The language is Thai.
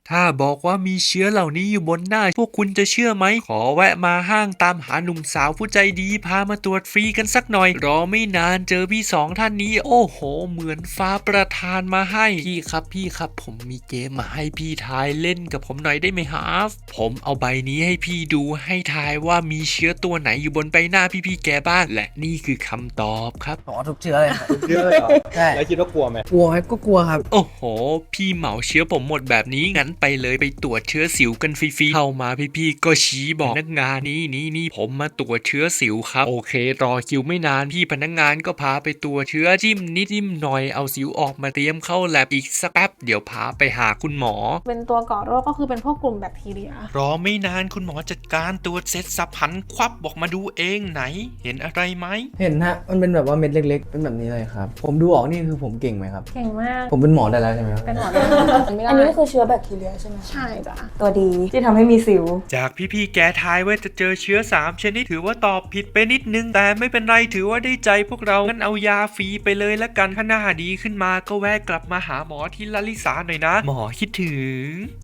ถ้าบอกว่ามีเชื้อเหล่านี้อยู่บนหน้าพวกคุณจะเชื่อไหมขอแวะมาห้างตามหาหนุ่มสาวผู้ใจดีพามาตรวจฟรีกันสักหน่อยรอไม่นานเจอพี่สองท่านนี้โอ้โหเหมือนฟ้าประทานมาให้พี่ครับผมมีเกมมาให้พี่ทายเล่นกับผมหน่อยได้ไหมครับผมเอาใบนี้ให้พี่ดูให้ทายว่ามีเชื้อตัวไหนอยู่บนใบหน้าพี่แกบ้างและนี่คือคำตอบครับอ๋อทุกเชื้อเลยครับเยอะเลยเหรอใช่แล้วคิดว่ากลัวไหมกลัวไหมก็กลัวครับโอ้โห พี่เหมาเชื้อผมหมดแบบนี้งั้นไปเลยไปตรวจเชื้อสิวกันฟรีๆเข้ามาพี่ก็ชี้บอกพนักงานนี่ผมมาตรวจเชื้อสิวครับโอเครอคิวไม่นานพี่พนักงานก็พาไปตรวจเชื้อจิ้มนิดจิ้มหน่อยเอาสิวออกมาเตรียมเข้าแลบอีกสักแป๊บเดี๋ยวพาไปหาคุณหมอเป็นตัวก่อโรคก็คือเป็นพวกกลุ่มแบคทีเรียรอไม่นานคุณหมอจัดการตรวจเสร็จสับหันควับบอกมาดูเองไหน เห็นอะไรไหมเห็นฮะมันเป็นแบบว่าเม็ดเล็กๆเป็นแบบนี้เลยครับผมดูออกนี่คือผมเก่งไหมครับเก่งมากผมเป็นหมอได้แล้วใช่ไหมครับเป็นหมอได้ไม่ได้อันนี้ก็คือเชื้อแบคทีเรียใช่ไหมใช่จ้ะตัวดีที่ทำให้มีสิวจากพี่แกทายว่าจะเจอเชื้อ3ชนิดถือว่าตอบผิดไปนิดนึงแต่ไม่เป็นไรถือว่าได้ใจพวกเรางั้นเอายาฟรีไปเลยละกันถ้าหน้าดีขึ้นมาก็แวะกลับมาหาหมอที่ลลิสาหน่อยนะ หมอคิดถึง